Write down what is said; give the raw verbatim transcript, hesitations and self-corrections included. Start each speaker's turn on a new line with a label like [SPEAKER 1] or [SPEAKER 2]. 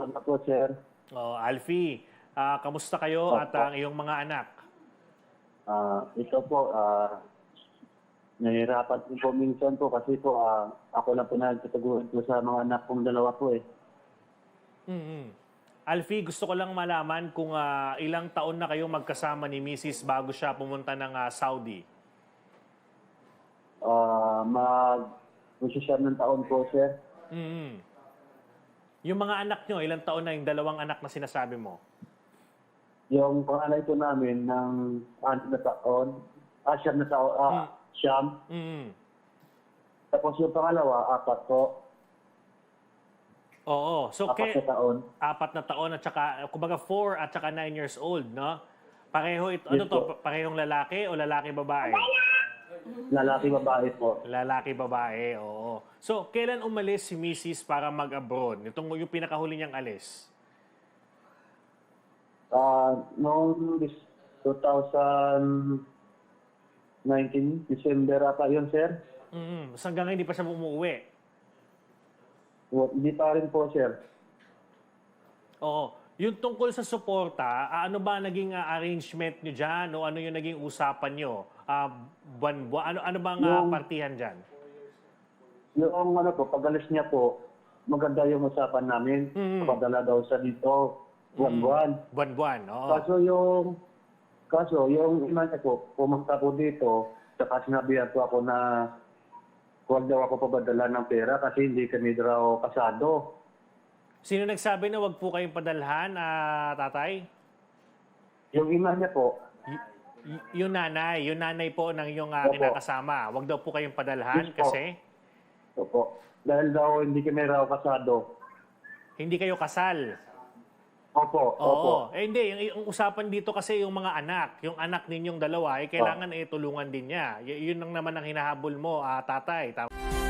[SPEAKER 1] Salamat po, sir.
[SPEAKER 2] Oh, Alfie, ah, kamusta kayo at
[SPEAKER 1] Opo.
[SPEAKER 2] ang iyong mga anak?
[SPEAKER 1] Ah, ito po, ah, nahihirapan din po minsan po kasi po ah, ako lang po nagtataguan po sa mga anak kong dalawa po eh.
[SPEAKER 2] mm Alfie, gusto ko lang malaman kung ah, ilang taon na kayong magkasama ni Missus bago siya pumunta ng ah, Saudi.
[SPEAKER 1] Ah, mag siyam ng taon po, sir.
[SPEAKER 2] mm Yung mga anak nyo, ilang taon na yung dalawang anak na sinasabi mo?
[SPEAKER 1] Yung panganay po namin ng anim na taon, ah, siyam na taon, ah,
[SPEAKER 2] Hmm.
[SPEAKER 1] siyam.
[SPEAKER 2] mm
[SPEAKER 1] Tapos yung pangalawa, apat po,
[SPEAKER 2] Oo. So,
[SPEAKER 1] apat
[SPEAKER 2] ke,
[SPEAKER 1] na taon.
[SPEAKER 2] apat na taon at saka, kumbaga four at saka nine years old, no? Pareho ito, ano
[SPEAKER 1] Yes
[SPEAKER 2] to,
[SPEAKER 1] po.
[SPEAKER 2] parehong lalaki o lalaki babae?
[SPEAKER 1] Lalaki, babae po.
[SPEAKER 2] Lalaki babae, oo. So, kailan umalis si Missus para mag-abroad? Itong yung pinakahuli niyang alis?
[SPEAKER 1] Ah, noong dis- twenty nineteen, December ata yun, sir.
[SPEAKER 2] Mm. So, hanggang ngayon, hindi pa siya umuwi.
[SPEAKER 1] Wa- Hindi pa rin po, sir.
[SPEAKER 2] Oo. Yung tungkol sa suporta, ah, ano ba naging ah, arrangement nyo dyan? O ano yung naging usapan nyo? Ah, buwan, buwan, ano, ano bang ah,
[SPEAKER 1] Yung-
[SPEAKER 2] partihan dyan?
[SPEAKER 1] Yung ano po, pag-alis niya po, maganda yung usapan namin.
[SPEAKER 2] Mm.
[SPEAKER 1] Padala daw sa dito, buwan-buwan.
[SPEAKER 2] Buwan-buwan, oo.
[SPEAKER 1] Kaso yung, kaso yung ina niya po, pumunta po dito, saka sinabihan po ako na huwag daw ako papadala ng pera kasi hindi kami daw kasado.
[SPEAKER 2] Sino nagsabi na wag po kayong padalhan, ah, tatay?
[SPEAKER 1] Yung ina niya po,
[SPEAKER 2] Y- y- yung nanay, yung nanay po ng iyong ah,
[SPEAKER 1] Opo.
[SPEAKER 2] kinakasama. Wag daw po kayong padalhan
[SPEAKER 1] Yes po.
[SPEAKER 2] kasi
[SPEAKER 1] opo, dahil daw hindi kami raw kasado.
[SPEAKER 2] hindi kayo kasal.
[SPEAKER 1] Opo,
[SPEAKER 2] Oo.
[SPEAKER 1] opo.
[SPEAKER 2] Eh hindi, yung, yung usapan dito kasi yung mga anak, yung anak ninyong dalawa, eh, kailangan eh, tulungan din niya. Y- yun lang naman ang hinahabol mo, ah, tatay. Tama.